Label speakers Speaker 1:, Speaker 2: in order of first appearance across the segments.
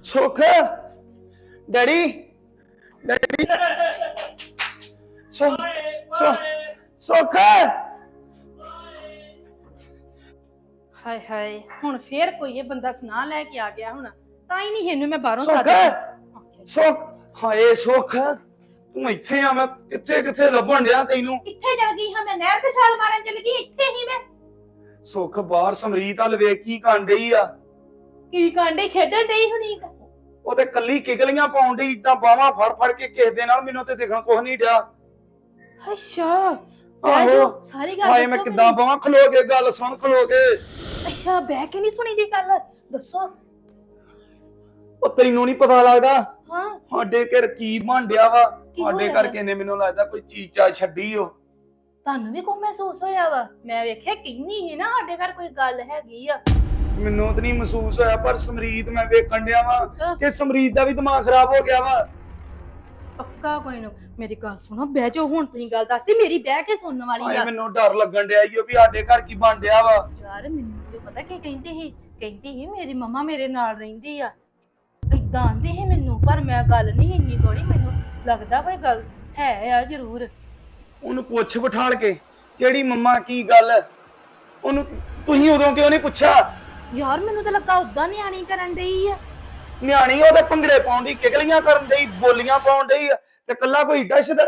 Speaker 1: ਸੁੱਖ daddy daddy ਸੁੱਖ ਸੁੱਖ
Speaker 2: ਹਾਏ ਹਾਏ ਹੁਣ ਫੇਰ ਕੋਈ ਇਹ ਬੰਦਾ ਸੁਨਾ ਲੈ ਕੇ ਆ ਗਿਆ ਹੁਣ ਤਾਂ ਹੀ ਨਹੀਂ ਇਹਨੂੰ ਮੈਂ ਬਾਹਰੋਂ
Speaker 1: ਸੁੱਖ
Speaker 2: ਸੱਦ
Speaker 1: ਸੁੱਖ ਹਾਏ ਸੁੱਖ ਤੂੰ ਇੱਥੇ ਆ ਮੈਂ ਕਿੱਥੇ ਕਿੱਥੇ ਲੱਭਣ ਡਿਆ ਤੈਨੂੰ
Speaker 2: ਕਿੱਥੇ ਚਲ ਗਈ ਹਾਂ ਮੈਂ ਨਹਿਰ ਤੇ ਛਾਲ ਮਾਰਨ ਚਲ ਗਈ ਇੱਥੇ ਹੀ ਮੈਂ
Speaker 1: ਸੁੱਖ ਬਾਹਰ ਸਮਰੀਤ ਹਲ ਵੇਖ ਕੀ ਕਰਨ ਡਈ ਆ
Speaker 2: ਕੀ ਕਾਂਡੇ ਖੇਡਣ ਡਈ ਹੁਣੀ
Speaker 1: ਉਹ ਤੇ ਕੱਲੀ ਕਿਗਲੀਆਂ ਪਾਉਣ ਡਈ ਇਦਾਂ ਬਾਹਾਂ ਫੜ ਫੜ ਕੇ ਕਿਸੇ ਦੇ ਨਾਲ ਮੈਨੂੰ ਤੇ ਦੇਖਣ ਕੁਝ ਨਹੀਂ ਡਿਆ
Speaker 2: ਅੱਛਾ
Speaker 1: ਆਹੋ
Speaker 2: ਸਾਰੀ ਗੱਲ
Speaker 1: ਹਾਏ ਮੈਂ
Speaker 2: ਦੱਸੋ
Speaker 1: ਕਿੱਦਾਂ ਬਾਹਾਂ ਖਲੋ ਕੇ ਗੱਲ ਸੁਣ ਖਲੋ ਕੇ
Speaker 2: ਅੱਛਾ ਬਹਿ ਕੇ ਨਹੀਂ ਸੁਣੀ ਦੀ ਗੱਲ ਦੱਸੋ
Speaker 1: ਉਹ ਤੈਨੂੰ ਨਹੀਂ ਪਤਾ ਲੱਗਦਾ
Speaker 2: ਹਾਂ
Speaker 1: ਸਾਡੇ ਘਰ ਕੀ ਬਣ ਡਿਆ ਵਾ
Speaker 2: ਕੀ
Speaker 1: ਸਾਡੇ
Speaker 2: ਹੋਇਆ?
Speaker 1: ਘਰ ਕਿਨੇ ਮੈਨੂੰ ਲੱਗਦਾ ਕੋਈ ਚੀਜ਼ ਚਾ ਛੱਡੀ ਓ
Speaker 2: ਤੁਹਾਨੂੰ ਵੀ ਕੋਈ ਮਹਿਸੂਸ ਹੋਇਆ ਵਾ ਮੈਂ ਵੇਖਿਆ ਕਿੰਨੀ ਹੈ ਨਾ ਸਾਡੇ ਘਰ ਕੋਈ ਗੱਲ ਹੈਗੀ ਆ
Speaker 1: ਮੈਨੂੰ ਤਾਂ ਨਹੀਂ ਮਹਿਸੂਸ ਹੋਇਆ ਪਰ ਸਮਰੀਤ ਮੈਂ ਵੇਖਣ ਡਿਆ ਵਾ ਕਿ ਸਮਰੀਤ ਦਾ ਵੀ ਦਿਮਾਗ ਖਰਾਬ ਹੋ ਗਿਆ ਵਾ
Speaker 2: ਪੱਕਾ ਕੋਈ ਨਾ ਮੇਰੀ ਗੱਲ ਸੁਣੋ ਬਹਿ ਜਾਓ ਹੁਣ ਤੁਸੀਂ ਗੱਲ ਦੱਸਦੀ ਮੇਰੀ ਬਹਿ ਕੇ ਸੁਣਨ ਵਾਲੀ
Speaker 1: ਹਾਏ
Speaker 2: ਆ
Speaker 1: ਮੈਨੂੰ ਡਰ ਲੱਗਣ ਡਿਆ ਈ ਓ ਵੀ ਸਾਡੇ ਘਰ ਕੀ ਬਣ ਡਿਆ ਵਾ
Speaker 2: ਯਾਰ ਮੈਨੂੰ ਤੇ ਪਤਾ ਕੀ ਕਹਿੰਦੀ ਸੀ ਮੇਰੀ ਮੰਮਾ ਮੇਰੇ ਨਾਲ ਰਹਿੰਦੀ ਆ ਇਦਾਂ ਆਂਦੀ ਸੀ ਮੈਨੂੰ ਪਰ ਮੈਂ ਗੱਲ ਨਹੀਂ ਇੰਨੀ ਗੋੜੀ ਮੈਨੂੰ ਲੱਗਦਾ ਕੋਈ ਗੱਲ ਹੈ ਆ ਜ਼ਰੂਰ
Speaker 1: ਉਹਨੂੰ ਪੁੱਛ ਬਿਠਾਲ ਕੇ ਕਿਹੜੀ ਮੰਮਾ ਕੀ ਗੱਲ ਉਹਨੂੰ ਤੁਸੀਂ ਉਦੋਂ ਕਿਉਂ ਨਹੀਂ ਪੁੱਛਿਆ
Speaker 2: ਯਾਰ ਮੈਨੂੰ ਤਾਂ ਲੱਗਾ ਉਦਾਂ ਨਿਆਣੀ ਕਰਨ ਡਈ ਆ
Speaker 1: ਨਿਆਣੀ ਉਹਦੇ ਭੰਗੜੇ ਪਾਉਣ ਦੀ ਕਿਗਲੀਆਂ ਕਰਨ ਡਈ ਬੋਲੀਆਂ ਪਾਉਣ ਡਈ ਤੇ ਕੱਲਾ ਕੋਈ ਡਸ਼ਦ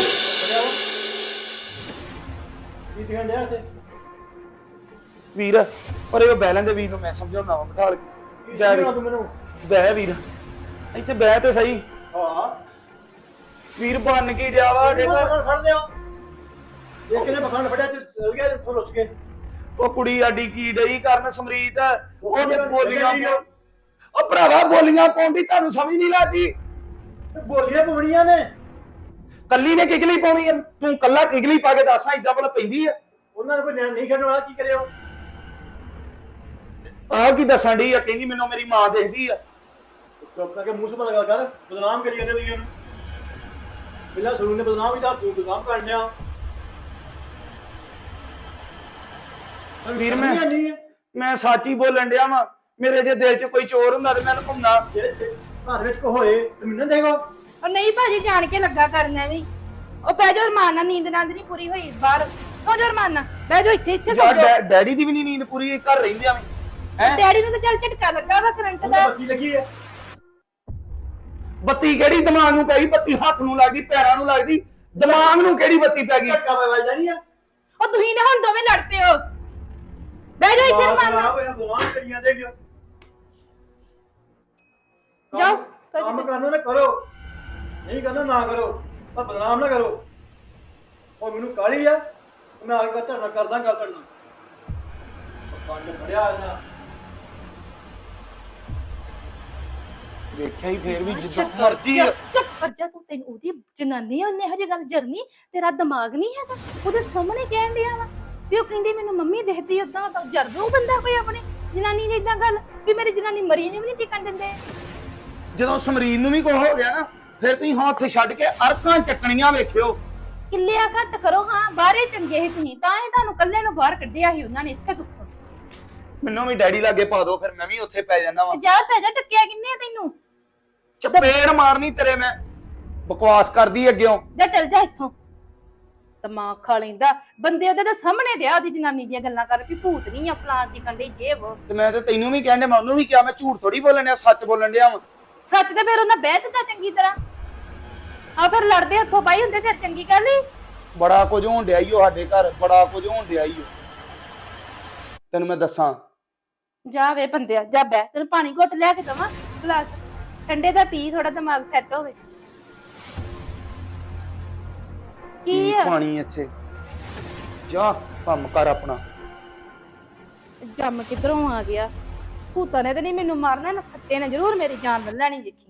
Speaker 3: ਕੀ ਦਿਖਣ ਡਿਆ ਇੱਥੇ
Speaker 1: ਵੀਰ ਪਰ ਇਹ ਬੈਲਾਂ ਦੇ ਵੀਰ ਨੂੰ ਮੈਂ ਸਮਝਾਉਣਾ ਵਾ ਬਿਠਾਲ ਕੇ ਜਾ ਵੀਰ
Speaker 3: ਤੂੰ ਮੈਨੂੰ
Speaker 1: ਬਹਿ ਵੀਰ ਇੱਥੇ ਬਹਿ ਤੇ ਸਹੀ
Speaker 3: ਹਾਂ
Speaker 1: ਵੀਰ ਬਣ ਕੇ ਡਿਆ ਵਾ ਸਾਡੇ ਘਰ
Speaker 3: ਫੜ ਲਿਓ ਇਹ ਕਿਨੇ ਪਖੰਡ ਫੜਿਆ ਤੇ ਚਲ ਗਿਆ ਉੱਥੋਂ ਲੁੱਚ ਕੇ
Speaker 1: ਉਹ ਕੁੜੀ ਆਡੀ ਕੀ ਡਈ ਕਰਨ ਸਮਰੀਤ ਉਹਨੇ ਬੋਲੀਆਂ ਉਹ ਭਰਾਵਾ ਬੋਲੀਆਂ ਪਾਉਂਦੀ ਤੁਹਾਨੂੰ ਸਮਝ ਨਹੀਂ ਲੱਗਦੀ
Speaker 3: ਬੋਲੀਆਂ ਪਾਉਣੀਆਂ ਨੇ
Speaker 1: ਕੱਲੀ ਨੇ ਕਿਗਲੀ ਪਾਉਣੀ ਆ ਤੂੰ ਕੱਲਾ ਕਿਗਲੀ ਪਾ ਕੇ ਦੱਸਾਂ ਇਦਾਂ ਭਲਾ ਪੈਂਦੀ ਆ
Speaker 3: ਉਹਨਾਂ ਨੇ ਕੋਈ ਨਿਆਣ ਨਹੀਂ ਖੇਡਣ ਵਾਲਾ ਕੀ ਕਰਿਓ
Speaker 1: ਆਹ ਕੀ ਦੱਸਣ ਡਈ ਆ ਕਹਿੰਦੀ ਮੈਨੂੰ ਮੇਰੀ ਮਾਂ ਦੇਖਦੀ ਆ
Speaker 3: ਚੁੱਪ ਕਰਕੇ ਮੂੰਹ ਸੁਭਾ ਲਗਾ ਕਰ ਬਦਨਾਮ ਕਰੀ ਜਾਂਦੇ ਤੁਸੀਂ ਉਹਨੂੰ ਪਹਿਲਾਂ ਸੁਰੂ ਨੇ ਬਦਨਾਮ ਹੀ ਤਾਂ ਤੂੰ ਬਦਨਾਮ ਕਰਨ ਡਿਆ
Speaker 1: ਵੀਰ
Speaker 3: ਨਹੀਂ
Speaker 1: ਮੈਂ ਸੱਚ ਹੀ ਬੋਲਣ ਡਿਆ ਵਾਂ ਮੇਰੇ ਜੇ ਦਿਲ 'ਚ ਕੋਈ ਚੋਰ ਹੁੰਦਾ ਤੇ ਮੈਂ ਲੁਕਾਉਂਦਾ
Speaker 3: ਘਰ ਵਿੱਚ ਕੋ ਹੋਏ ਤੇ ਮੈਨੂੰ ਦੇਗੋ
Speaker 2: ਉਹ ਨਹੀਂ ਭਾਜੀ ਜਾਣ ਕੇ ਲੱਗਾ ਕਰਨਾ ਵੀ ਉਹ ਬਹਿ ਜਾਓ ਰਮਾਨਾ ਨੀਂਦ ਨਾਂਦ ਨਹੀਂ ਪੂਰੀ ਹੋਈ ਬਾਹਰ ਸੌ ਜਾਓ ਰਮਾਨਾ ਬਹਿ ਜਾਓ ਇੱਥੇ ਸੌ ਜਾਓ
Speaker 1: ਡੈਡੀ ਦੀ ਵੀ ਨਹੀਂ ਨੀਂਦ ਪੂਰੀ ਘਰ ਰਹਿੰਦੇ ਆਵੇਂ ਹੈ
Speaker 2: ਡੈਡੀ ਨੂੰ ਤਾਂ ਚੱਲ ਝਟਕਾ ਲੱਗਾ ਵਾ ਕਰੰਟ ਦਾ
Speaker 3: ਬੱਤੀ ਲੱਗੀ ਹੈ
Speaker 1: ਬੱਤੀ ਕਿਹੜੀ ਦਿਮਾਗ ਨੂੰ ਪੈ ਗਈ ਬੱਤੀ ਹੱਥ ਨੂੰ ਲੱਗਦੀ ਪੈਰਾਂ ਨੂੰ ਲੱਗਦੀ ਦਿਮਾਗ ਨੂੰ ਕਿਹੜੀ ਬੱਤੀ ਪੈ ਗਈ
Speaker 3: ਝਟਕਾ ਵੱਜਦਾ ਨਹੀਂ ਆ
Speaker 2: ਉਹ ਤੁਸੀਂ ਨੇ ਹੁਣ ਦੋਵੇਂ ਲੜ ਪਏ ਹੋ ਬਹਿ ਜਾਓ ਇੱਥੇ ਰਮਾਨਾ
Speaker 3: ਹੋਇਆ ਬਦਨਾਮ ਕਰੀ ਜਾਂਦੇ ਕਿਉਂ
Speaker 2: ਜਾਓ
Speaker 3: ਕੰਮ ਕਰਨਾ ਨਾ ਕਰੋ ਨਹੀਂ ਕਰਨਾ ਨਾ ਕਰੋ ਪਰ ਬਦਨਾਮ ਨਾ ਕਰੋ ਉਹ ਮੈਨੂੰ ਕਾਲੀ ਆ ਮੈਂ ਆ ਕੇ ਧਰਨਾ ਕਰਦਾ ਗੱਲ ਕਰਨਾ ਕੰਨ ਫੜਿਆ ਨਾ
Speaker 1: ਵੇਖਿਆ ਹੀ ਫੇਰ ਵੀ ਜਿੱਦਾਂ ਮਰਜੀ
Speaker 2: ਚੁੱਪ ਕਰ ਜਾ ਤੂੰ ਤੈਨੂੰ ਉਹਦੀ ਜਨਾਨੀ ਆ ਉਹਨੇ ਹਜੇ ਗੱਲ ਜਰਨੀ ਤੇਰਾ ਦਿਮਾਗ ਨਹੀਂ ਹੈਗਾ ਉਹਦੇ ਸਾਹਮਣੇ ਕਹਿਣ ਡਿਆ ਵਾ ਵੀ ਉਹ ਕਹਿੰਦੀ ਮੈਨੂੰ ਮੰਮੀ ਦੇਖਦੀ ਉਦਾਂ ਤਾਂ ਜਰਦੂ ਬੰਦਾ ਕੋਈ ਆਪਣੀ ਜਨਾਨੀ ਦੀ ਇਦਾਂ ਗੱਲ ਵੀ ਮੇਰੀ ਜਨਾਨੀ ਮਰੀ ਨਹੀਂ ਵੀ ਨਹੀਂ ਟਿਕਣ ਦਿੰਦੇ
Speaker 1: ਜਦੋਂ ਸਮਰੀਨ ਨੂੰ ਵੀ ਕੁਝ ਹੋ ਗਿਆ ਨਾ ਫਿਰ ਤੁਸੀਂ ਹੱਥ ਛੱਡ ਕੇ ਅਰਕਾਂ ਚੱਕਣੀਆਂ ਵੇਖਿਓ
Speaker 2: ਕਿੱਲਿਆ ਘੱਟ ਕਰੋ ਹਾਂ ਬਾਹਰੇ ਚੰਗੇ ਹੀ ਤੁਸੀਂ ਤਾਂ ਹੀ ਤੁਹਾਨੂੰ ਕੱਲੇ ਨੂੰ ਬਾਹਰ ਕੱਢਿਆ ਸੀ ਉਹਨਾਂ ਨੇ ਇਸੇ ਦੁੱਖੋਂ
Speaker 1: ਮੈਨੂੰ ਵੀ ਡੈਡੀ ਲਾਗੇ ਪਾ ਦਿਓ ਫਿਰ ਮੈਂ ਵੀ ਉੱਥੇ ਪੈ ਜਾਣਾ ਵਾ
Speaker 2: ਜਾ ਪੈ ਜਾ ਟੱਕਿਆ ਕਿੰਨੇ ਆ ਤੈਨੂੰ
Speaker 1: ਚਪੇੜ ਮਾਰਨੀ ਤੇਰੇ ਮੈਂ ਬਕਵਾਸ ਕਰਦੀ ਅੱਗਿਓਂ
Speaker 2: ਜਾ ਚੱਲ ਜਾ ਇੱਥੋਂ ਦਿਮਾਗ ਖਾ ਲੈਂਦਾ ਬੰਦੇ ਉਹਦੇ ਤਾਂ ਸਾਹਮਣੇ ਡਿਆ ਉਹਦੀ ਜਨਾਨੀ ਦੀਆਂ ਗੱਲਾਂ ਕਰ ਵੀ ਭੂਤ ਨਹੀਂ ਆ ਫਲਾਣ ਦੀ ਕੰਡੇ ਜੇ ਵੋ
Speaker 1: ਤੇ ਮੈਂ ਤੇ ਤੈਨੂੰ ਵੀ ਕਹਿੰਦੇ ਮੈਂ ਉਹਨੂੰ ਵੀ ਕਿਹਾ ਮੈਂ ਝੂਠ ਥੋੜੀ ਬੋਲਣ ਡਿਆ ਸੱਚ ਬੋਲਣ ਡਿਆ ਵਾਂ
Speaker 2: ਸੱਚ ਤੇ ਫਿਰ ਉਹਨਾਂ ਬਹਿਸ ਤਾਂ ਚੰਗੀ ਤਰ੍ਹਾਂ ਆ ਫਿਰ ਲੜਦੇ ਹੱਥੋਂ ਪਾਈ ਹੁੰਦੇ ਫਿਰ ਚੰਗੀ ਗੱਲ ਹੀ
Speaker 1: ਬੜਾ ਕੁਝ ਹੋਣ ਡਿਆ ਈ ਓ ਸਾਡੇ ਘਰ ਬੜਾ ਕੁਝ ਹੋਣ ਡਿਆ ਈ ਓ ਤੈਨੂੰ ਮੈਂ ਦੱਸਾਂ
Speaker 2: ਜਾ ਵੇ ਬੰਦਿਆ ਜਾ ਬਹਿ ਤੈਨੂੰ ਪਾਣੀ ਘੁੱਟ ਲਿਆ ਕੇ ਦਵਾਂ ਗਲਾਸ ਠੰਡੇ ਦਾ ਪੀ ਥੋੜਾ ਦਿਮਾਗ ਸੈੱਟ ਹੋਵੇ ਕੀ ਆ
Speaker 1: ਪਾਣੀ ਇੱਥੇ ਜਾ ਕੰਮ ਕਰ ਆਪਣਾ
Speaker 2: ਜੰਮ ਕਿਧਰੋਂ ਆ ਗਿਆ ਭੂਤਾਂ ਨੇ ਤੇ ਨਹੀਂ ਮੈਨੂੰ ਮਾਰਨਾ ਨਾ ਖੱਟੇ ਨੇ ਜ਼ਰੂਰ ਮੇਰੀ ਜਾਨ ਲੈ ਲੈਣੀ ਦੇਖੀ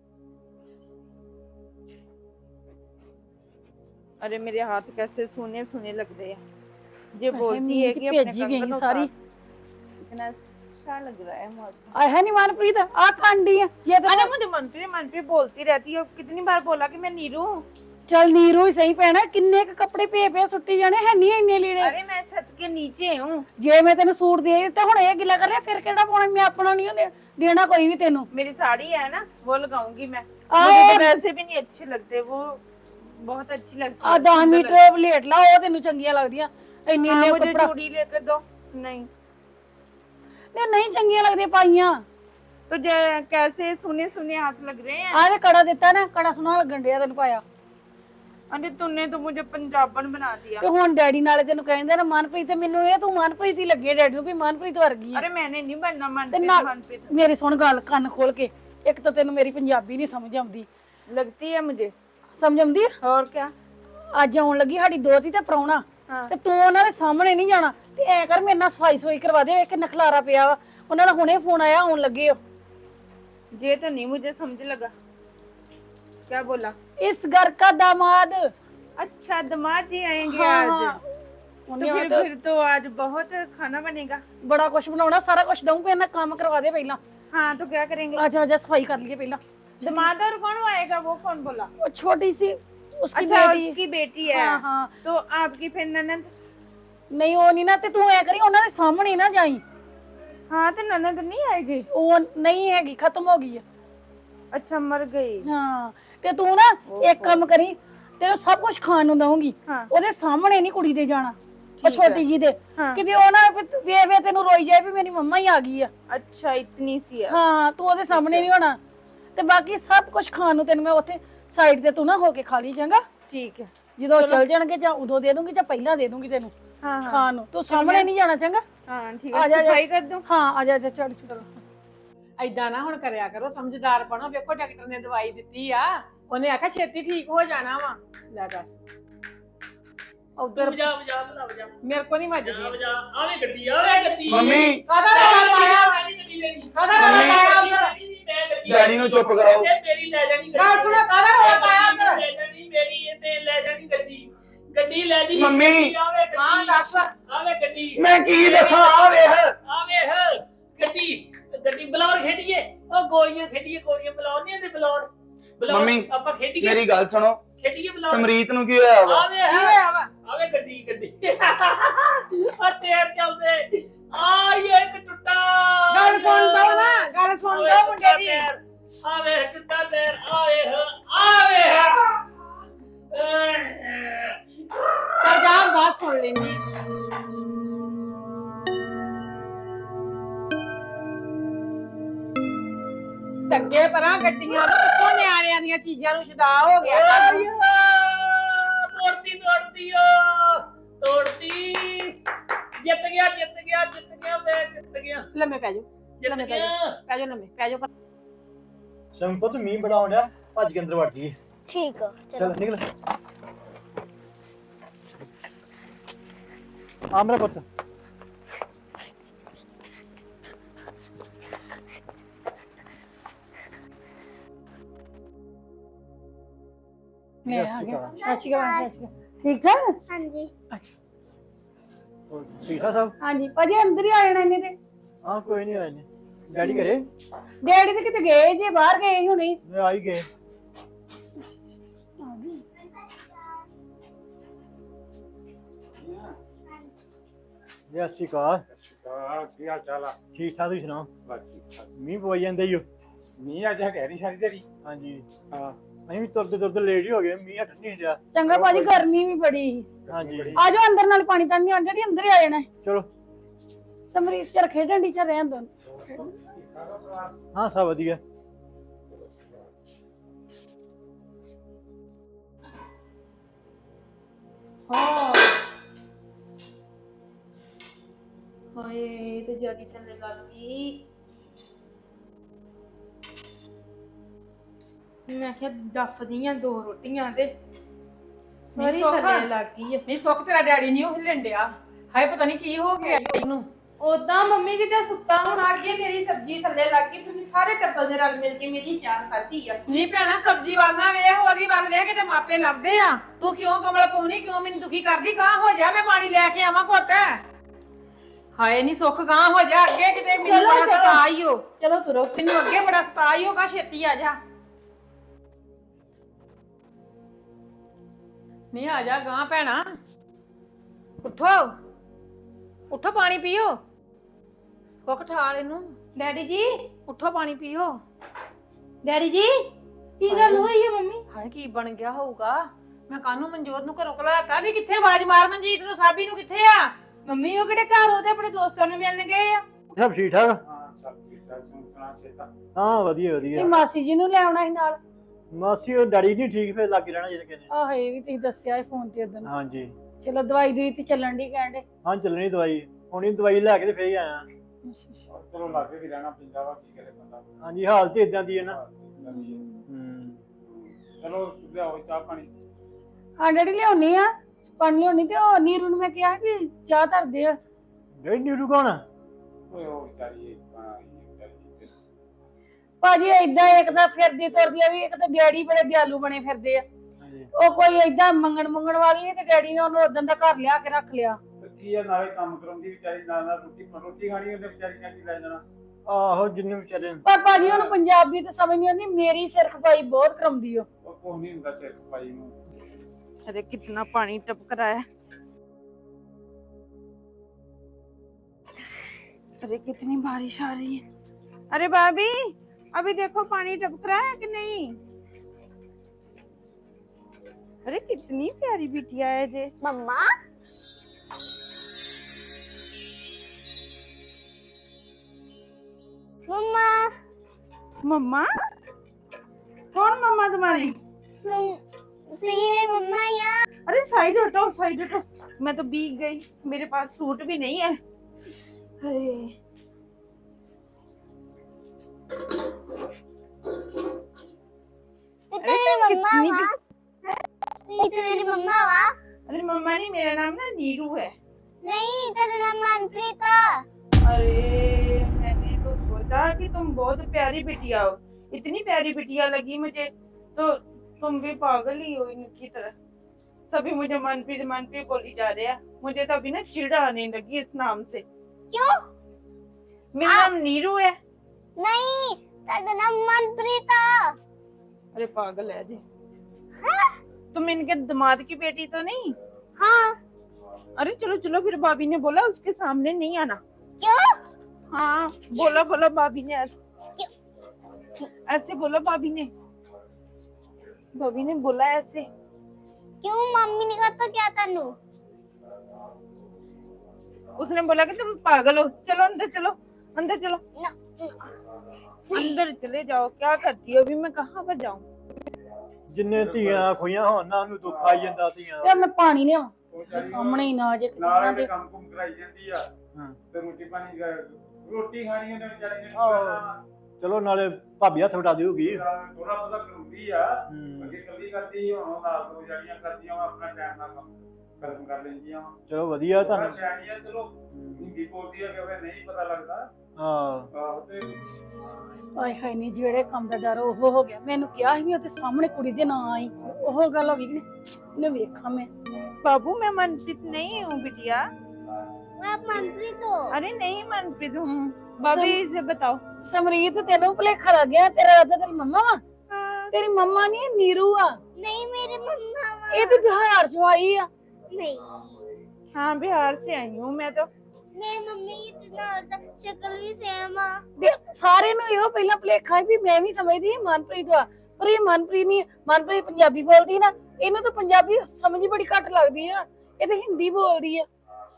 Speaker 4: अरे मेरे हाथ कैसे सूने सूने लग रहे हैं ये बोलती है कि अपने कंगन
Speaker 5: सारी
Speaker 4: इतना अच्छा लग रहा है मौसम
Speaker 5: आय है नहीं मनप्रीत आ खांडी है ये तो
Speaker 4: अरे मुझे मनप्रीत मनप्रीत बोलती रहती है कितनी बार बोला कि मैं नीरू हूँ
Speaker 5: ਚੱਲ ਨੀਰੂ ਹੀ ਸਹੀ ਪੈਣਾ, ਕਿੰਨੇ ਕ ਕੱਪੜੇ ਭੇ ਸੁੱਟੀ ਜਾਣੇ ਹੈ ਨਹੀਂ ਇੰਨੇ ਲੀੜੇ।
Speaker 4: अरे मैं छत के नीचे हूँ।
Speaker 5: ਜੇ ਮੈਂ ਤੈਨੂੰ ਸੂਟ ਦੇ ਦਿੱਤਾ ਹੁਣ ਇਹ ਗਿੱਲਾ ਕਰ ਰਿਹਾ ਫਿਰ ਕਿਹੜਾ ਪਾਉਣਾ, ਮੈਂ ਆਪਣਾ ਨਹੀਂ ਦੇਣਾ ਕੋਈ ਵੀ ਤੈਨੂੰ।
Speaker 4: मेरी साड़ी है ना वो लगाऊंगी मैं।
Speaker 5: आओ।
Speaker 4: मुझे तो वैसे भी नहीं अच्छे लगते वो, बहुत अच्छी लगती
Speaker 5: ਆ
Speaker 4: है।
Speaker 5: 10
Speaker 4: सुंदर
Speaker 5: ਮੀਟਰ ਲੇਟ ਲਾ, ਉਹ ਤੈਨੂੰ ਚੰਗੀਆਂ ਲੱਗਦੀਆਂ ਇੰਨੀ
Speaker 4: हाँ,
Speaker 5: ਇੰਨੇ
Speaker 4: मुझे
Speaker 5: ਕੱਪੜਾ
Speaker 4: चूड़ी लेकर दो। नहीं
Speaker 5: ਨਹੀਂ ਚੰਗੀਆਂ ਲੱਗਦੀਆਂ ਪਾਈਆਂ।
Speaker 4: तो कैसे सुने सुने हाथ लग रहे हैं।
Speaker 5: ਆਹ ਤੇ ਕੜਾ ਦਿੱਤਾ ਨਾ, ਕੜਾ ਸੋਹਣਾ ਲੱਗਣ ਡਿਆ ਤੈਨੂੰ ਪਾਇਆ।
Speaker 4: अरे तूने तो मुझे पंजाबन बना दिया।
Speaker 5: ਤੇ ਹੁਣ ਡੈਡੀ ਨਾਲੇ ਤੈਨੂੰ ਕਹਿੰਦੇ ਨਾ ਮਨਪ੍ਰੀਤ, ਤੇ ਮੈਨੂੰ ਇਹ ਤੂੰ ਮਨਪ੍ਰੀਤ ਹੀ ਲੱਗੀ ਡੈਡੀ ਨੂੰ ਵੀ ਮਨਪ੍ਰੀਤ ਵਰਗੀ ਆ।
Speaker 4: अरे मैंने नहीं बनना
Speaker 5: ਤੇ ਨਾਲ
Speaker 4: मनप्रीत।
Speaker 5: ਮੇਰੀ ਸੁਣ ਗੱਲ ਕੰਨ ਖੋਲ ਕੇ, ਇੱਕ ਤਾਂ ਤੈਨੂੰ ਮੇਰੀ ਪੰਜਾਬੀ ਨਹੀਂ ਸਮਝ ਆਉਂਦੀ।
Speaker 4: लगती है मुझे।
Speaker 5: ਸਮਝ ਆਉਂਦੀ ਆ?
Speaker 4: और क्या।
Speaker 5: ਅੱਜ ਆਉਣ ਲੱਗੀ ਸਾਡੀ ਦੋਤੀ ਤੇ ਪ੍ਰਾਹੁਣਾ,
Speaker 4: हाँ।
Speaker 5: ਤੇ ਤੂੰ ਉਹਨਾਂ ਦੇ ਸਾਹਮਣੇ ਨਹੀਂ ਜਾਣਾ, ਤੇ ਐ ਕਰ ਮੇਰੇ ਨਾਲ ਸਫਾਈ ਕਰਵਾ ਦੇ, ਇੱਕ ਨਖਲਾਰਾ ਪਿਆ ਵਾ, ਉਹਨਾਂ ਦਾ ਹੁਣੇ ਫੋਨ ਆਇਆ ਆਉਣ ਲੱਗੇ ਹੋ।
Speaker 4: ये तो नहीं मुझे समझ लगा। क्या बोला।
Speaker 5: ਇਸ ਘਰ का दामाद।
Speaker 4: अच्छा दामाद जी आएंगे
Speaker 5: हाँ,
Speaker 4: आज।
Speaker 5: हाँ।
Speaker 4: तो
Speaker 5: ਉਹਨੇ ਆ
Speaker 4: फिर तो आज बहुत खाना बनेगा।
Speaker 5: ਬੜਾ ਕੁਛ ਬਣਾਉਣਾ, ਸਾਰਾ ਕੁਛ ਦਊਂ, ਪਹਿਲਾਂ ਕੰਮ ਕਰਵਾ ਦੇ ਪਹਿਲਾਂ।
Speaker 4: हाँ तो क्या करेंगे।
Speaker 5: ਆਜਾ ਆਜਾ ਸਫਾਈ ਕਰ ਲਈਏ ਪਹਿਲਾਂ।
Speaker 4: दामाद और कौन आएगा वो कौन बोला।
Speaker 5: ਉਹ ਛੋਟੀ ਸੀ ਉਸकी
Speaker 4: अच्छा
Speaker 5: बेटी।
Speaker 4: उसकी बेटी है।
Speaker 5: हाँ हाँ।
Speaker 4: तो आपकी फिर ननद।
Speaker 5: ਨਹੀਂ ਉਹ ਨਹੀਂ ਨਾ, ਤੇ ਤੂੰ ਐ ਕਰੀ ਉਹਨਾਂ ਦੇ ਸਾਹਮਣੇ ਨਾ ਜਾਈ।
Speaker 4: हाँ तो ननद नहीं आएगी।
Speaker 5: ਉਹ ਨਹੀਂ ਹੈਗੀ, ਖਤਮ ਹੋ ਗਈ ਆ।
Speaker 4: अच्छा मर गई।
Speaker 5: ਹਾਂ ਤੇ ਤੂੰ ਨਾ ਇੱਕ ਕੰਮ ਕਰੀ, ਤੈਨੂੰ ਸਭ ਕੁਝ ਖਾਣ ਨੂੰ ਦਊਂਗੀ,
Speaker 4: हाँ
Speaker 5: ਉਹਦੇ ਸਾਹਮਣੇ ਨਹੀਂ ਕੁੜੀ ਦੇ ਜਾਣਾ, ਉਹ
Speaker 4: ਠੀਕ
Speaker 5: ਛੋਟੀ ਜੀ ਦੇ।
Speaker 4: हाँ।
Speaker 5: ਕਿਤੇ ਉਹ ਨਾ ਵੇ ਵੇ ਤੈਨੂੰ ਰੋਈ ਜਾਏ ਵੀ ਮੇਰੀ ਮੰਮਾ ਹੀ ਆ ਗਈ ਆ।
Speaker 4: अच्छा इतनी सी है।
Speaker 5: ਹਾਂ ਤੂੰ ਉਹਦੇ ਸਾਹਮਣੇ ਨਹੀਂ ਹੋਣਾ, ਤੇ ਬਾਕੀ ਸਭ ਕੁਝ ਖਾਣ ਨੂੰ ਤੈਨੂੰ ਮੈਂ ਉੱਥੇ ਸਾਈਡ ਤੇ ਤੂੰ ਨਾ ਹੋ ਕੇ ਖਾ ਲਈ ਚੰਗਾ।
Speaker 4: ठीक है।
Speaker 5: ਜਦੋਂ ਚਲ ਜਾਣਗੇ ਜਾਂ ਉਦੋਂ ਦੇ ਦੂੰਗੀ ਜਾਂ ਪਹਿਲਾਂ ਦੇ ਦੂੰਗੀ ਤੈਨੂੰ
Speaker 4: हाँ हाँ
Speaker 5: ਖਾਣ ਨੂੰ, ਤੂੰ ਸਾਹਮਣੇ ਨਹੀਂ ਜਾਣਾ ਚੰਗਾ।
Speaker 4: हाँ ठीक
Speaker 5: आ
Speaker 4: है।
Speaker 5: जा, जा।
Speaker 4: सफाई कर दूं।
Speaker 5: ਹਾਂ ਆ ਜਾ ਜਾ ਚੜ ਚੜ।
Speaker 6: ਐਦਾਂ ਨਾ ਹੁਣ ਕਰਿਆ ਕਰੋ, ਸਮਝਦਾਰ ਬਣੋ। ਵੇਖੋ ਡਾਕਟਰ ਨੇ ਦਵਾਈ ਦਿੱਤੀ ਆ, ਉਹਨੇ ਆਖਿਆ ਛੇਤੀ ਠੀਕ ਹੋ ਜਾਣਾ ਵਾ। ਲੈ ਦੱਸ ਉਧਰ
Speaker 7: ਵਜਾ ਵਜਾ
Speaker 6: ਮੇਰੇ ਕੋ ਨਹੀਂ ਵੱਜਦੀ।
Speaker 7: ਵਜਾ ਆਵੇ ਗੱਡੀ ਆਵੇ ਗੱਡੀ
Speaker 1: ਮੰਮੀ
Speaker 6: ਕਾਹਦਾ ਰੌਲਾ ਪਾਇਆ ਕਾਹਦਾ ਰੌਲਾ ਪਾਇਆ ਉਧਰ।
Speaker 1: ਡੈਡੀ ਨੂੰ ਚੁੱਪ ਕਰਾਓ।
Speaker 7: ਮੇਰੀ ਲੈ ਜਾਣੀ
Speaker 6: ਗੱਲ ਸੁਣੋ, ਕਾਹਦਾ ਰੌਲਾ ਪਾਇਆ ਉਧਰ।
Speaker 7: ਲੈ ਜਾਣੀ ਮੇਰੀ ਇਹਨੇ ਲੈ ਜਾਣੀ ਗੱਡੀ ਗੱਡੀ ਲੈ ਜੀ
Speaker 1: ਮੰਮੀ।
Speaker 7: ਆਵੇ ਗੱਡੀ
Speaker 6: ਹਾਂ ਦੱਸ।
Speaker 7: ਆਵੇ ਗੱਡੀ
Speaker 1: ਮੈਂ ਕੀ ਦੱਸਾਂ, ਆ ਵੇਖ
Speaker 7: ਆਵੇ ਗੱਡੀ ਗੱਡੀ ਬਲੌਰ ਖੇਡੀਏ ਉਹ ਗੋਲੀਆਂ ਖੇਡੀਏ ਗੋਲੀਆਂ ਬਲੌਰ ਨਹੀਂ ਆਂਦੇ ਬਲੌਰ
Speaker 1: ਮੰਮੀ,
Speaker 7: ਆਪਾਂ ਖੇਡੀਏ
Speaker 1: ਮੇਰੀ ਗੱਲ ਸੁਣੋ,
Speaker 7: ਖੇਡੀਏ ਬਲੌਰ
Speaker 1: ਸਮਰੀਤ ਨੂੰ ਕੀ ਹੋਇਆ ਵਾ?
Speaker 7: ਆਵੇ
Speaker 6: ਕੀ ਹੋਇਆ ਵਾ?
Speaker 7: ਆਵੇ ਗੱਡੀ ਗੱਡੀ ਆ ਟਾਇਰ ਚੱਲਦੇ ਆ ਇਹ ਇੱਕ ਟੁੱਟਾ
Speaker 6: ਗੱਲ ਸੁਣ ਦੋ ਨਾ, ਗੱਲ ਸੁਣ ਦੋ ਮੁੰਡੇ ਦੀ।
Speaker 7: ਆਵੇ ਟੁੱਟਾ ਟਾਇਰ ਆਵੇ
Speaker 6: ਚੱਲ ਜਾ ਬਾਤ ਸੁਣ ਲੈਣੀ। ਅੱਗੇ ਪਰਾਂ ਗੱਡੀਆਂ ਨੂੰ ਕਿੱਥੋਂ ਨਿਆਣਿਆਂ ਦੀਆਂ ਚੀਜ਼ਾਂ ਨੂੰ ਛਡਾ ਹੋ ਗਿਆ।
Speaker 7: ਤੋੜਤੀ ਤੋੜਤੀ ਜਿੱਤ ਗਿਆ ਮੈਂ ਜਿੱਤ ਗਿਆ
Speaker 6: ਲੰਮੇ ਪੈ ਜਾਓ,
Speaker 7: ਜਿੱਤ
Speaker 6: ਲੰਮੇ
Speaker 7: ਗਿਆ
Speaker 6: ਪੈ ਜਾਓ ਲੰਮੇ ਪੈ ਜਾਓ।
Speaker 3: ਸੰਪਤ ਮੀਂਹ ਬੜਾ ਆਉਂਦਾ, ਭੱਜ ਕੇ ਅੰਦਰ ਵੜ ਜੀ।
Speaker 8: ਠੀਕ ਆ
Speaker 3: ਚਲ
Speaker 8: ਚਲੋ
Speaker 3: ਨਿਕਲ ਆ ਮੇਰਾ ਪੁੱਤ।
Speaker 5: ਮੈਂ ਆ ਗਿਆ। ਸਤਿ ਸ਼੍ਰੀ ਅਕਾਲ। ਠੀਕ ਠਾਕ।
Speaker 8: ਹਾਂਜੀ
Speaker 3: ਹੋਰ ਠੀਕ ਆ ਸਭ।
Speaker 5: ਹਾਂਜੀ ਭਾਜੀ ਅੰਦਰ ਹੀ ਆ ਜਾਣਾ ਇਹਨੇ ਤੇ।
Speaker 3: ਹਾਂ ਕੋਈ ਨਹੀਂ ਆਏ ਨੇ ਡੈਡੀ ਘਰੇ।
Speaker 5: ਡੈਡੀ ਤੇ ਕਿਤੇ ਗਏ ਜੇ, ਬਾਹਰ ਗਏ ਸੀ ਹੁਣੇ।
Speaker 3: ਮੈਂ ਆ ਹੀ ਗਏ। ਜੀ ਅਸੀਂ ਕਾ
Speaker 9: ਕੀ ਹਾਲ ਚਾਲ ਆ?
Speaker 3: ਠੀਕ ਠਾਕ, ਤੁਸੀਂ ਸੁਣਾਓ?
Speaker 9: ਬਸ ਠੀਕ ਠਾਕ।
Speaker 3: ਮੀਂਹ ਪਈ ਜਾਂਦਾ ਹੀ।
Speaker 9: ਮੀਂਹ ਅੱਜ ਕਹਿ ਨਹੀਂ ਸਾਰੀ ਤੇਰੀ।
Speaker 3: ਹਾਂਜੀ
Speaker 9: ਹਾਂ
Speaker 3: ਅਸੀਂ ਵੀ ਤੁਰਦੇ ਲੇਟ ਹੀ ਹੋ ਗਏ, ਮੀਂਹ ਹਟ ਨਹੀਂ ਰਿਹਾ।
Speaker 5: ਚੰਗਾ ਭਾਜੀ, ਗਰਮੀ ਵੀ ਬੜੀ ਸੀ।
Speaker 3: ਹਾਂਜੀ
Speaker 5: ਆ ਜਾਓ ਅੰਦਰ, ਨਾਲ ਪਾਣੀ ਤਾਂ ਨਹੀਂ ਆਉਂਦਾ, ਡੈਡੀ ਅੰਦਰ ਹੀ ਆ ਜਾਣਾ।
Speaker 3: ਚਲੋ।
Speaker 5: ਸਮਰੀਤ ਚਲ ਖੇਡਣ ਦੀ, ਚੱਲ ਰਹਿਣ ਦੋ।
Speaker 3: ਹਾਂ ਸਭ ਵਧੀਆ।
Speaker 2: ਹਾਏ ਤੇ ਜਿਆਦੀ ਥੱਲੇ ਲੱਗ ਗਈ। ਮੈਂ ਕਿਹਾ ਡੱਫਦੀ ਆ 2 ਰੋਟੀਆਂ ਦੇ, ਸਾਰੀ ਥੱਲੇ ਲੱਗ ਗਈ ਆ।
Speaker 6: ਨਹੀਂ ਸੁੱਖ ਤੇਰਾ ਡੈਡੀ ਨਹੀਂ ਉਹ ਹਿੱਲਣ ਡਿਆ। ਹਾਏ ਪਤਾ ਨਹੀਂ ਕੀ ਹੋ ਗਿਆ ਇਹਨੂੰ।
Speaker 2: ਉਦਾਂ ਮੰਮੀ ਕਿਤੇ ਸੁੱਤਾ ਹੋਣ ਆ ਗਈ, ਮੇਰੀ ਸਬਜ਼ੀ ਥੱਲੇ ਲੱਗ ਗਈ। ਤੁਸੀਂ ਸਾਰੇ ਟੱਬਰ ਦੇ ਰਲ ਮਿਲ ਕੇ ਮੇਰੀ ਜਾਨ ਖਾਧੀ ਆ।
Speaker 6: ਨਹੀਂ ਭੈਣਾ ਸਬਜ਼ੀ ਵਾਲਣਾ ਵੇਖ, ਉਹਦੀ ਵੱਲ ਵੇਖ, ਕਿਤੇ ਮਾਪੇ ਲੱਭਦੇ ਆ। ਤੂੰ ਕਿਉਂ ਕਮਲ ਪਾਉਣੀ, ਕਿਉਂ ਮੈਨੂੰ ਦੁਖੀ ਕਰਦੀ? ਗਾਂ ਹੋ ਜਾ, ਮੈਂ ਪਾਣੀ ਲੈ ਕੇ ਆਵਾਂ ਘੁੱਟ। ਹਾਏ ਨਹੀਂ ਸੁੱਖ ਗਾਂ ਹੋ ਜਾ, ਅੱਗੇ ਕਿਤੇ ਮੈਨੂੰ
Speaker 2: ਚਲੋ,
Speaker 6: ਬੜਾ
Speaker 2: ਚਲੋ।
Speaker 6: ਸਤਾਈਓ।
Speaker 2: ਚਲੋ ਤੁਰੋ।
Speaker 6: ਤੈਨੂੰ ਅੱਗੇ ਬੜਾ ਸਤਾਈਓ, ਗਾ ਛੇਤੀ ਆ ਜਾ। ਨਹੀਂ ਆ ਜਾ ਗਾਂ ਭੈਣਾ ਉੱਠੋ ਉੱਠੋ ਪਾਣੀ ਪੀਓ ਕੁੱਖ ਠਾਲ ਇਹਨੂੰ
Speaker 2: ਡੈਡੀ ਜੀ
Speaker 6: ਉੱਠੋ ਪਾਣੀ ਪੀਓ
Speaker 2: ਡੈਡੀ ਜੀ ਕੀ ਗੱਲ ਹੋਈ ਹੈ ਮੰਮੀ?
Speaker 6: ਹਾਏ ਕੀ ਬਣ ਗਿਆ ਹੋਊਗਾ ਮੈਂ ਕਾਹਨੂੰ ਮਨਜੋਤ ਨੂੰ ਘਰੋਂ ਘਲਾਤਾ ਵੀ ਕਿੱਥੇ ਆਵਾਜ਼ ਮਾਰ ਮਨਜੀਤ ਨੂੰ ਸਾਬੀ ਨੂੰ ਕਿੱਥੇ ਆ
Speaker 2: ਮੰਮੀ ਉਹ ਕਿਹੜੇ ਘਰ ਉਹਦੇ ਆਪਣੇ ਦੋਸਤਾਂ ਨੂੰ ਮਿਲਣ ਗਏ ਆ।
Speaker 3: ਸਭ ਠੀਕ ਠਾਕ
Speaker 9: ਹਾਂ ਸਭ ਠੀਕ ਠਾਕ ਸੁਣਾ ਸੇਤਾ
Speaker 3: ਹਾਂ ਵਧੀਆ
Speaker 5: ਤੇ
Speaker 3: ਵਧੀਆ
Speaker 5: ਮਾਸੀ ਜੀ ਨੂੰ ਲੈ ਆਉਣਾ ਸੀ ਨਾਲ।
Speaker 3: ਮਾਸੀ ਉਹ ਡੈਡੀ ਨਹੀਂ ਠੀਕ ਫੇਰ ਲੱਗ ਰਹਿਣਾ ਜਿਹੜੇ ਕਹਿੰਦੇ
Speaker 5: ਆਹੋ ਇਹ ਵੀ ਤੁਸੀਂ ਦੱਸਿਆ ਇਹ ਫੋਨ ਤੇ ਉਦੋਂ।
Speaker 3: ਹਾਂਜੀ
Speaker 5: ਚਲੋ ਦਵਾਈ ਦੂਈ ਤੇ ਚੱਲਣ ਦੀ ਕਹਿੰਦੇ।
Speaker 3: ਹਾਂ ਚੱਲਣੀ ਦਵਾਈ ਹੁਣੀ ਦਵਾਈ ਲੈ ਕੇ ਤੇ ਫੇਰ ਆਇਆ
Speaker 9: ਚਲੋ ਲਾਗੇ ਵੀ ਰਹਿਣਾ ਪੈਂਦਾ ਵਾ ਕੀ ਕਰੇ ਬੰਦਾ
Speaker 3: ਹਾਂਜੀ ਹਾਲਤ ਹੀ ਇਦਾਂ ਦੀ ਹੈ ਨਾ
Speaker 9: ਚਲੋ ਲਿਆਓ ਚਾਹ ਪਾਣੀ
Speaker 5: ਹਾਂ ਡੈਡੀ ਲਿਆਉਣੀ ਆ ਪਾਣੀ ਲਿਆਉਣੀ ਤੇ ਉਹ ਨੀਰੂ ਨੂੰ ਮੈਂ ਕਿਹਾ ਕਿ ਚਾਹ ਧਰ ਦੇ।
Speaker 3: ਡੈਡੀ ਨੀਰੂ ਕੌਣ
Speaker 9: ਓਏ ਉਹ ਵਿਚਾਰੀ ਵਿਚਾਰੀ
Speaker 5: ਭਾਜੀ ਏਦਾਂ ਇੱਕ ਤਾਂ ਫਿਰਦੀ ਤੁਰਦੀ ਆ ਵੀ ਇੱਕ ਤਾਂ ਡੈਡੀ ਬੜੇ ਦਿਆਲੂ ਬਣੇ ਫਿਰਦੇ ਆ। ਉਹ ਕੋਈ ਏਦਾਂ ਮੰਗਣ ਵਾਲੀ ਨੀ ਤੇ ਡੈਡੀ ਨੇ ਉਹਨੂੰ ਉਦੋਂ ਦਾ ਘਰ ਲਿਆ ਕੇ ਰੱਖ ਲਿਆ।
Speaker 9: ਕੀ ਆ ਨਾਲੇ ਕੰਮ ਕਰਾਉਂਦੀ ਵਿਚਾਰੀ ਨਾਲ ਨਾਲ ਰੋਟੀ ਖਾਣੀ ਉਹਨੇ ਵਿਚਾਰੀ ਨੇ ਕੀ ਲੈ ਜਾਣਾ
Speaker 3: ਆਹੋ ਜਿੰਨੇ ਵਿਚਾਰੇ
Speaker 5: ਪਰ ਭਾਜੀ ਉਹਨੂੰ ਪੰਜਾਬੀ ਤੇ ਸਮਝ ਨਹੀਂ ਆਉਂਦੀ ਮੇਰੀ ਸਿਰ ਖਪਾਈ ਬਹੁਤ ਕਰਾਉਂਦੀ ਓ।
Speaker 9: ਉਹ ਕੁਝ ਨਹੀਂ ਹੁੰਦਾ ਸਿਰ ਭਾਈ ਨੂੰ
Speaker 4: अरे कितना पानी टपक रहा है। अरे कितनी बारिश आ रही है। अरे भाभी अभी देखो पानी टपक रहा है कि नहीं। अरे कितनी प्यारी बिटिया है जे।
Speaker 8: मम्मा मम्मा
Speaker 4: मम्मा कौन मम्मा तुम्हारी।
Speaker 8: मम्मा यहाँ।
Speaker 4: अरे साइड हटो साइड हटो मैं तो भीग गई मेरे पास सूट भी नहीं है। अरे
Speaker 8: मेरी मम्मा वा।
Speaker 4: अरे मम्मा नहीं मेरा नाम ना नीरू है।
Speaker 8: नहीं तेरा नाम मनप्रीत है।
Speaker 4: अरे मैंने तो सोचा कि तुम बहुत प्यारी बिटिया हो इतनी प्यारी बिटिया लगी मुझे तो तुम भी पागल ही हो इनकी तरह सभी मुझे मनप्रीत मनप्रीत बोली जा रहे हैं मुझे तो अभी ना चिढ़ आने लगी इस नाम से।
Speaker 8: क्यों?
Speaker 4: मेरा नाम नीरू है।
Speaker 8: नहीं तेरा नाम मनप्रीत है।
Speaker 4: अरे पागल है जी।
Speaker 8: हाँ?
Speaker 4: तुम इनके दामाद की बेटी तो नहीं।
Speaker 8: हाँ।
Speaker 4: अरे चलो चलो फिर भाभी ने बोला उसके सामने नहीं आना।
Speaker 8: क्यों?
Speaker 4: हाँ बोला बोला भाभी ने ऐसे बोला भाभी ने बोला ऐसे।
Speaker 8: क्यों मम्मी ने कहा तो क्या तनु?
Speaker 4: उसने बोला कि तुम पागल हो चलो अंदर चलो अंदर चलो
Speaker 8: न,
Speaker 4: अंदर चले जाओ क्या करती हो अभी मैं कहाँ पर जाऊँ।
Speaker 3: ਜਿੰਨੇ ਧੀਆਂ ਖੋਈਆਂ ਹੋਣ ਨਾ ਉਹਨੂੰ ਦੁੱਖ ਆਈ ਜਾਂਦਾ ਧੀਆਂ
Speaker 5: ਤੇ ਮੈਂ ਪਾਣੀ ਲਿਆਵਾਂ
Speaker 9: ਉਹ ਵਿਚਾਰੀ
Speaker 5: ਸਾਹਮਣੇ ਹੀ ਨਾ ਜੇ
Speaker 9: ਨਾਲ ਦੇ ਕੰਮ ਕੁਮ ਕਰਾਈ ਜਾਂਦੀ ਆ
Speaker 3: ਹਾਂ।
Speaker 9: ਤੇ ਰੋਟੀ ਖਾਣੀ ਉਹਨੇ ਵਿਚਾਰੀ ਨੇ
Speaker 3: ਆਹੋ। ਚਲੋ ਨਾਲੇ ਭਾਬੀ ਹੱਥ ਵਟਾ ਦੇਊਗੀ
Speaker 9: ਥੋੜਾ ਬਹੁਤਾ ਕਰੂੰਦੀ ਆ ਅੱਗੇ ਕੱਲੀ ਕਰਦੀ ਹੁਣ ਉਹ ਨਾਲ ਦੋ ਜਣੀਆਂ ਕਰਦੀਆਂ ਵਾ ਆਪਣਾ ਟਾਈਮ ਨਾਲ ਕੰਮ ਖਤਮ ਕਰ ਲੈਂਦੀਆਂ ਵਾ
Speaker 3: ਚਲੋ ਵਧੀਆ ਤੁਹਾਨੂੰ
Speaker 9: ਸਿਆਣੀ ਆ ਚਲੋ ਹਿੰਦੀ ਬੋਲਦੀ ਆ ਕਿ ਨਹੀਂ ਪਤਾ ਲੱਗਦਾ
Speaker 3: ਹਾਂ
Speaker 9: ਆਹੋ ਤੇ
Speaker 5: ਆਏ ਹਾਏ ਨਹੀਂ ਜਿਹੜੇ ਕੰਮ ਦਾ ਡਰ ਉਹ ਹੋ ਗਿਆ ਮੈਨੂੰ ਕਿਹਾ ਸੀ ਵੀ ਉਹਦੇ ਸਾਹਮਣੇ ਕੁੜੀ ਦੇ ਨਾਂ ਆਈ ਉਹ ਗੱਲ ਹੋ ਗਈ ਨੇ ਵੇਖਾਂ ਮੈਂ।
Speaker 4: बाबू मैं मनप्रीत नहीं हूँ बिटिया।
Speaker 8: आप मनप्रीत हो?
Speaker 4: अरे नहीं मनप्रीत हूँ भाभी से बताओ।
Speaker 5: ਸਮਰੀਤ ਤੈਨੂੰ ਭੁਲੇਖਾ ਲੱਗ ਗਿਆ ਤੇਰਾ ਰਾਦਾ ਤੇਰੀ ਮੰਮਾ ਵਾ।
Speaker 8: हाँ।
Speaker 5: ਤੇਰੀ ਮੰਮਾ ਨਹੀਂ ਨੀਰੂ ਆ
Speaker 8: नहीं मेरी मम्मा वा।
Speaker 5: ਇਹ ਤੇ ਬਿਹਾਰ ਚੋਂ ਆਈ ਆ।
Speaker 8: नहीं
Speaker 4: हाँ बिहार से आई हूँ मैं तो।
Speaker 8: मेरी मम्मी की शक्ल भी सेम है।
Speaker 5: ਤੇ ਸਾਰੇ ਨੂੰ ਇਹੋ ਪਹਿਲਾਂ ਭੁਲੇਖਾ ਵੀ ਮੈਂ ਵੀ ਸਮਝਦੀ ਹਾਂ ਮਨਪ੍ਰੀਤ ਵਾ ਪਰ ਇਹ ਮਨਪ੍ਰੀਤ ਨਹੀਂ ਮਨਪ੍ਰੀਤ ਪੰਜਾਬੀ ਬੋਲਦੀ ਨਾ ਇਹਨੂੰ ਤਾਂ ਪੰਜਾਬੀ ਸਮਝ ਬੜੀ ਘੱਟ ਲੱਗਦੀ ਆ ਇਹ ਤਾਂ ਹਿੰਦੀ ਬੋਲਦੀ ਆ।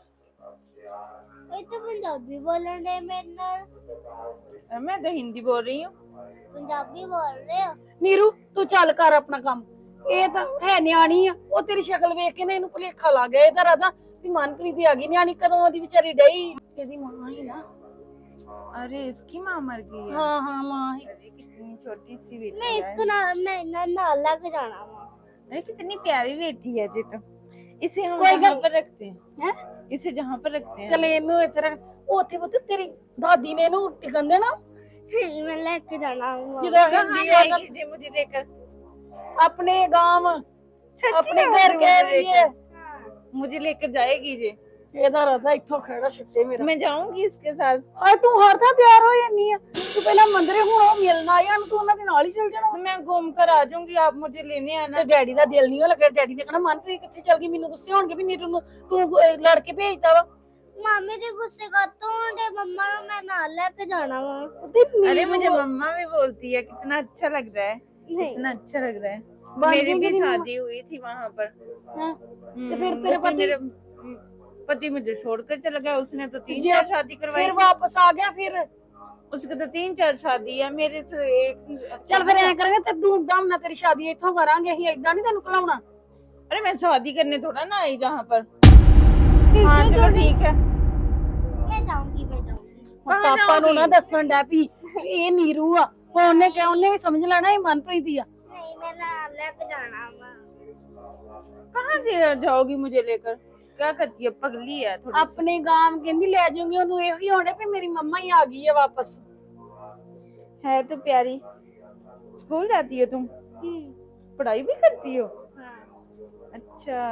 Speaker 8: ये तो पंजाबी बोलन रहे मेरे नाल।
Speaker 4: मैं तो हिंदी बोल रही हूँ।
Speaker 8: पंजाबी बोल रहे हो?
Speaker 5: ਨੀਰੂ ਤੂੰ ਚੱਲ ਕਰ ਆਪਣਾ ਕੰਮ ਇਹ ਤਾਂ ਹੈ ਨਿਆਣੀ ਆ ਉਹ ਤੇਰੀ ਸ਼ਕਲ ਵੇਖ ਕੇ ਨਾ ਇਹਨੂੰ ਭੁਲੇਖਾ ਲੱਗ ਗਿਆ ਇਹਦਾ ਰਾਦਾ ਵੀ ਮਨਪ੍ਰੀਤ ਹੀ ਆ ਗਈ ਨਿਆਣੀ ਕਦੋਂ ਦੀ ਵਿਚਾਰੀ ਡਈ ਇਹਦੀ ਮਾਂ ਹੀ ਨਾ।
Speaker 4: अरे इसकी माँ मर गई है।
Speaker 5: हाँ हाँ माँ ही।
Speaker 4: अरे कितनी छोटी सी बेटी
Speaker 8: मैं
Speaker 4: है।
Speaker 8: इसको ना लग जाना वा।
Speaker 4: अरे कितनी प्यारी बेटी है जी तो इसे हम
Speaker 5: कोई
Speaker 4: जहाँ
Speaker 5: गल-
Speaker 4: पर रखते हैं
Speaker 5: हैं?
Speaker 4: इसे जहाँ पर रखते हैं।
Speaker 5: ਚੱਲ ਇਹਨੂੰ ਇੱਥੇ ਰੱਖ ਉੱਥੇ ਪੁੱਤ ਤੇਰੀ ਦਾਦੀ ਨੇ ਇਹਨੂੰ ਟਿਕਣ ਦੇਣਾ
Speaker 8: मैं लेके जाना वा।
Speaker 5: ਜਦੋਂ
Speaker 4: कहाँ
Speaker 5: ਹਿੰਦੀ
Speaker 4: जाएगी जी मुझे लेकर।
Speaker 5: अपने गांव
Speaker 4: सच्ची
Speaker 5: अपने
Speaker 4: में
Speaker 5: घर
Speaker 4: मुझे
Speaker 5: कह
Speaker 4: लेकर-
Speaker 5: रही है
Speaker 4: मुझे लेकर जाएगी जी।
Speaker 5: ਇਹਦਾ ਰਦਾ ਇੱਥੋਂ ਖੜਾ ਛੱਟੇ ਮੇਰਾ।
Speaker 4: मैं जाऊंगी इसके साथ।
Speaker 5: ਆਏ ਤੂੰ ਹਰ ਥਾਂ ਤਿਆਰ ਹੋ ਜਾਂਦੀ ਆ, ਤੂੰ ਪਹਿਲਾਂ ਮੰਦਰੇ ਹੁਣ ਉਹ ਮਿਲਣ ਆਏ ਹਨ, ਤੂੰ ਉਹਨਾਂ ਦੇ ਨਾਲ ਹੀ ਚੱਲ ਜਾਣਾ।
Speaker 4: तो मैं घूम कर आ जाऊंगी, आप मुझे लेने आना।
Speaker 5: ਤੇ ਡੈਡੀ ਦਾ ਦਿਲ ਨਹੀਂ ਉਹ ਲੱਗਾ, ਡੈਡੀ ਨੇ ਕਹਣਾ ਮਨਪ੍ਰੀਤ ਕਿੱਥੇ ਚੱਲ ਗਈ, ਮੈਨੂੰ ਗੁੱਸੇ ਹੋਣਗੇ ਵੀ ਨੀਟੂ ਨੂੰ ਤੂੰ ਲੜ ਕੇ ਭੇਜਦਾ ਵਾ।
Speaker 8: मामी जी गुस्से करते होंगे, मम्मा को मैं नाल लेके जाना वा।
Speaker 4: अरे मुझे मम्मा भी बोलती है, कितना अच्छा लग रहा है, कितना अच्छा लग रहा है। मेरी भी शादी हुई थी वहां पर।
Speaker 5: तो फिर तेरे पति
Speaker 4: मेरे पति मुझे छोड़कर चला गया, उसने तो 3-4 शादी करवाई।
Speaker 5: फिर वापस आ गया, फिर
Speaker 4: उसके तो 3-4 शादी है, मेरे से एक।
Speaker 5: चल फिर ऐ करेंगे ते धूमधाम ना तेरी शादी इत्थों करांगे, ਅਸੀਂ ਏਦਾਂ ਨਹੀਂ ਤੈਨੂੰ ਖਲਾਉਣਾ।
Speaker 4: अरे मैं शादी करने थोड़ा ना आई जहाँ पर।
Speaker 5: हाँ
Speaker 4: चलो ठीक है,
Speaker 8: मैं जाऊंगी, मैं जाऊंगी।
Speaker 5: ਪਾਪਾ ਨੂੰ ਨਾ ਦੱਸਣ ਡੈ ਵੀ ਇਹ ਨੀਰੂ ਆ, ਉਹਨੇ ਕਿਹਾ ਉਹਨੇ ਵੀ ਸਮਝ ਲੈਣਾ ਇਹ ਮਨਪ੍ਰੀਤ ਹੀ ਆ।
Speaker 8: नहीं, मैं नाल लेके जाना वा।
Speaker 4: कहाँ जाओगी मुझे लेकर? क्या करती है, पगली है थोड़ी सी।
Speaker 5: ਆਪਣੇ ਗਾਮ ਕਹਿੰਦੀ ਲੈ ਜਾਊਂਗੀ ਉਹਨੂੰ, ਇਹੋ ਹੀ ਹੋਣੇ ਵੀ ਮੇਰੀ ਮੰਮਾ ਹੀ ਆ ਗਈ ਹੈ ਵਾਪਸ।
Speaker 4: है तो प्यारी। स्कूल जाती हो तुम? पढ़ाई भी करती हो? अच्छा,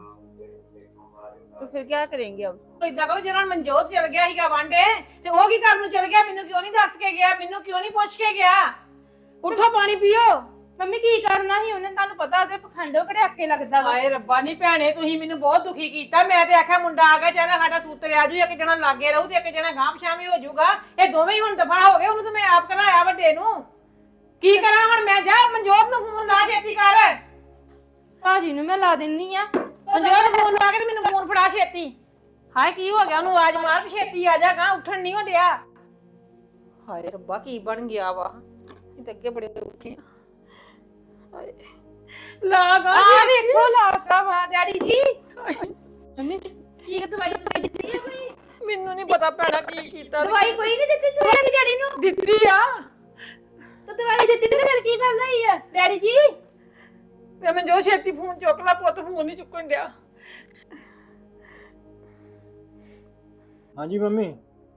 Speaker 4: तो फिर क्या करेंगे अब?
Speaker 6: ਇਦਾਂ ਕਰੋ, ਜਿਹੜਾ ਮਨਜੋਤ ਚਲ ਗਿਆ ਸੀਗਾ ਵਾਂਡੇ ਤੇ ਉਹ ਕੀ ਕਰਨ ਨੂੰ ਚਲ ਗਿਆ, ਮੈਨੂੰ ਕਿਉਂ ਨਹੀਂ ਦੱਸ ਕੇ ਗਿਆ, ਮੈਨੂੰ ਕਿਉਂ ਨਹੀਂ ਪੁੱਛ ਕੇ ਗਿਆ? ਉੱਠੋ ਪਾਣੀ ਪੀਓ।
Speaker 2: ਮੰਮੀ ਕੀ ਕਰਨਾ ਸੀ ਉਹਨੇ, ਤੁਹਾਨੂੰ ਪਤਾ ਉਹਦੇ ਪਖੰਡੋ ਕਿਹੜੇ ਆਕੇ ਲੱਗਦਾ ਵਾ।
Speaker 6: ਹਾਏ ਰੱਬਾ ਨੀ ਭੈਣੇ, ਤੁਸੀਂ ਮੈਨੂੰ ਬਹੁਤ ਦੁਖੀ ਕੀਤਾ। ਮੈਂ ਤੇ ਆਖਿਆ ਮੁੰਡਾ ਆ ਗਿਆ, ਚਾਹੇ ਸਾਡਾ ਸੂਤ ਆ ਜੂ, ਇੱਕ ਜਣਾ ਲਾਗੇ ਰਹੂ ਤੇ ਇੱਕ ਜਣਾ ਗਾਂਹ ਪਛਾਵੀਂ ਹੋ ਜਾਊਗਾ। ਇਹ ਦੋਵੇਂ ਹੀ ਹੁਣ ਦਫਾ ਹੋ ਗਏ, ਉਹਨੂੰ ਤਾਂ ਮੈਂ ਆਪ ਘਲਾਇਆ ਵੱਡੇ ਨੂੰ। ਕੀ ਕਰਾਂ ਹੁਣ ਮੈਂ? ਜਾ ਮਨਜੋਤ ਨੂੰ ਫੋਨ ਲਾ, ਛੇਤੀ ਕਰ।
Speaker 2: ਭਾਜੀ ਨੂੰ ਮੈਂ ਲਾ ਦਿੰਨੀ ਆ।
Speaker 6: ਮਨਜੋਤ ਨੂੰ ਫੋਨ ਲਾ ਕੇ ਤੇ ਮੈਨੂੰ ਫੋਨ ਫੜਾ ਛੇਤੀ। ਹਾਏ ਕੀ ਹੋ ਗਿਆ, ਉਹਨੂੰ ਆਵਾਜ਼ ਮਾਰ ਵੀ ਛੇਤੀ ਆ ਜਾ, ਗਾਂ ਉੱਠਣ ਨਹੀਂ ਹੋ ਡਿਆ। ਹਾਏ ਰੱਬਾ ਕੀ ਬਣ ਗਿਆ ਵਾ, ਇਹ ਤਾਂ ਅੱਗੇ ਬੜੇ ਉੱਠੇ ਆ। ਹਾਏ ਲਾਗਾ
Speaker 2: ਆ ਵੇਖੋ ਲਾਤਾ ਵਾ ਡੈਡੀ ਜੀ। ਮੰਮੀ ਕੀ ਦਵਾਈ ਦਿੱਤੀ ਹੈ ਕੋਈ?
Speaker 6: ਮੈਨੂੰ ਨਹੀਂ ਪਤਾ ਭੈਣਾ ਕੀ ਕੀਤਾ।
Speaker 2: ਦਵਾਈ ਕੋਈ ਨਹੀਂ ਦਿੱਤੀ ਸਵੇਰੇ ਡੈਡੀ ਨੂੰ?
Speaker 6: ਦਿੱਤੀ ਆ
Speaker 2: ਤੂੰ ਦਵਾਈ ਦਿੱਤੀ ਤੇ ਫਿਰ ਕੀ ਗੱਲ ਹੋਈ ਆ ਡੈਡੀ ਜੀ?
Speaker 6: ਤੇ ਮੈਂ ਜੋ ਛੇਤੀ ਫੋਨ ਚੁੱਕ ਲਾ, ਪੁੱਤ ਫੋਨ ਨਹੀਂ ਚੁੱਕਣ ਡਿਆ।
Speaker 3: ਹਾਂਜੀ ਮੰਮੀ,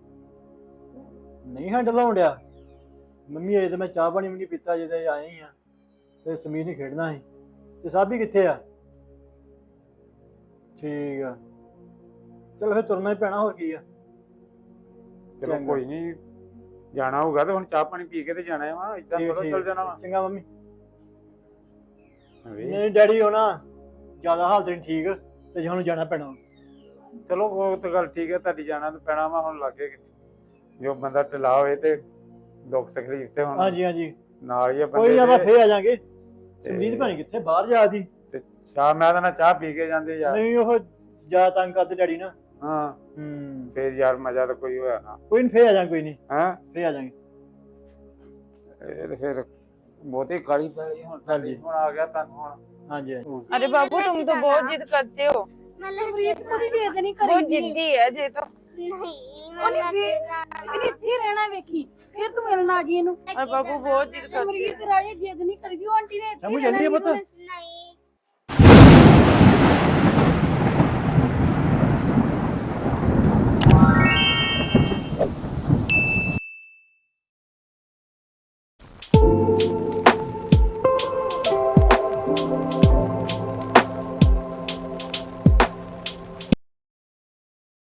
Speaker 3: ਨਹੀਂ ਹੈਂਡਲ ਹੋਣ ਡਿਆ ਮੰਮੀ। ਅਜੇ ਤਾਂ ਮੈਂ ਚਾਹ ਪਾਣੀ ਵੀ ਨਹੀਂ ਪੀਤਾ, ਜਿਹਦੇ ਆਏ ਹੀ ਆ ਤੇ ਸਮੀਰ ਨਹੀਂ ਖੇਡਣਾ ਸੀ। ਤੇ ਸਾਬੀ ਕਿੱਥੇ ਆ? ਠੀਕ ਆ, ਚਲੋ ਫਿਰ ਤੁਰਨਾ ਹੀ ਪੈਣਾ, ਹੋਰ ਕੀ ਆ।
Speaker 9: ਚਲੋ ਕੋਈ ਨਹੀਂ, ਜਾਣਾ ਹੋਊਗਾ ਤੇ ਹੁਣ ਚਾਹ ਪਾਣੀ ਪੀ ਕੇ ਤੇ ਜਾਣਾ ਵਾ, ਇਦਾਂ ਥੋੜਾ ਚੱਲ ਜਾਣਾ ਵਾ।
Speaker 3: ਚੰਗਾ ਮੰਮੀ। ਨਹੀਂ ਡੈਡੀ ਹੋਣਾ ਜ਼ਿਆਦਾ ਹਾਲਤ ਨਹੀਂ ਠੀਕ, ਤੇ ਹੁਣ ਜਾਣਾ ਪੈਣਾ।
Speaker 9: ਚਲੋ ਉਹ ਤਾਂ ਗੱਲ ਠੀਕ ਹੈ, ਤੁਹਾਡੀ ਜਾਣਾ ਤਾਂ ਪੈਣਾ ਵਾ। ਹੁਣ ਲੱਗੇ ਜੋ ਬੰਦਾ ਢਿੱਲਾ ਹੋਏ ਤੇ ਦੁੱਖ ਤਕਲੀਫ ਤੇ ਹੁਣ
Speaker 3: ਹਾਂਜੀ ਹਾਂਜੀ
Speaker 9: ਨਾਲ ਹੀ ਆ
Speaker 3: ਕੋਈ ਨਾ,
Speaker 9: ਬੰਦੇ
Speaker 3: ਫੇਰ ਆ ਜਾਾਂਗੇ। ਸਮਰੀਤ ਭਾਣੀ ਕਿੱਥੇ ਬਾਹਰ ਜਾਦੀ
Speaker 9: ਤੇ ਚਾਹ ਮੈਂ ਤਾਂ ਨਾ ਚਾਹ ਪੀ ਕੇ ਜਾਂਦੇ ਯਾਰ।
Speaker 3: ਨਹੀਂ ਉਹ ਜ਼ਿਆਦਾ ਤੰਗ ਕਰਦੇ ਡੈਡੀ ਨਾ।
Speaker 9: ਹਾਂ ਫੇਰ ਯਾਰ ਮਜ਼ਾ ਤਾਂ ਕੋਈ ਹੋਇਆ ਨਾ।
Speaker 3: ਕੋਈ ਨਹੀਂ, ਫੇਰ ਆ ਜਾਾਂਗੇ, ਕੋਈ ਨਹੀਂ
Speaker 9: ਹਾਂ
Speaker 3: ਫੇਰ ਆ ਜਾਾਂਗੇ।
Speaker 9: ਇਹ ਤੇ ਫਿਰ ਬਹੁਤੀ ਕਾਲੀ ਪੈ ਗਈ ਹੁਣ।
Speaker 3: ਹਾਂਜੀ
Speaker 9: ਹੁਣ ਆ ਗਿਆ ਤੁਹਾਨੂੰ ਹੁਣ।
Speaker 3: ਹਾਂਜੀ
Speaker 4: अरे बाबू तुम तो बहुत जिद करते हो,
Speaker 5: ਸਮਰੀਤ ਕੋਈ ਜਿੱਦ ਨਹੀਂ
Speaker 4: बहुत
Speaker 5: ਕਰੀਦੀ।
Speaker 4: जिद्दी है जे तो।
Speaker 8: नहीं,
Speaker 5: ਉਹਨੇ ਫੇਰ ਇੱਥੇ ਰਹਿਣਾ ਵੇਖੀ, ਫਿਰ ਤੂੰ ਮਿਲਣ ਆ ਗਈ ਇਹਨੂੰ।
Speaker 4: और बाबू बहुत जिद करते
Speaker 5: ਸਮਰੀਤ ਰਾਜੇ ਜਿੱਦ ਨਹੀਂ ਕਰੀਦੀ, ਉਹ ਆਂਟੀ ਨੇ ਇੱਥੇ
Speaker 3: ਸਮਝ
Speaker 5: ਰਹਿਣਾ
Speaker 3: ਜਾਂਦੀ ਹੈ
Speaker 5: ਨੀਰੂ
Speaker 3: ਪੁੱਤ?
Speaker 5: ਨੇ।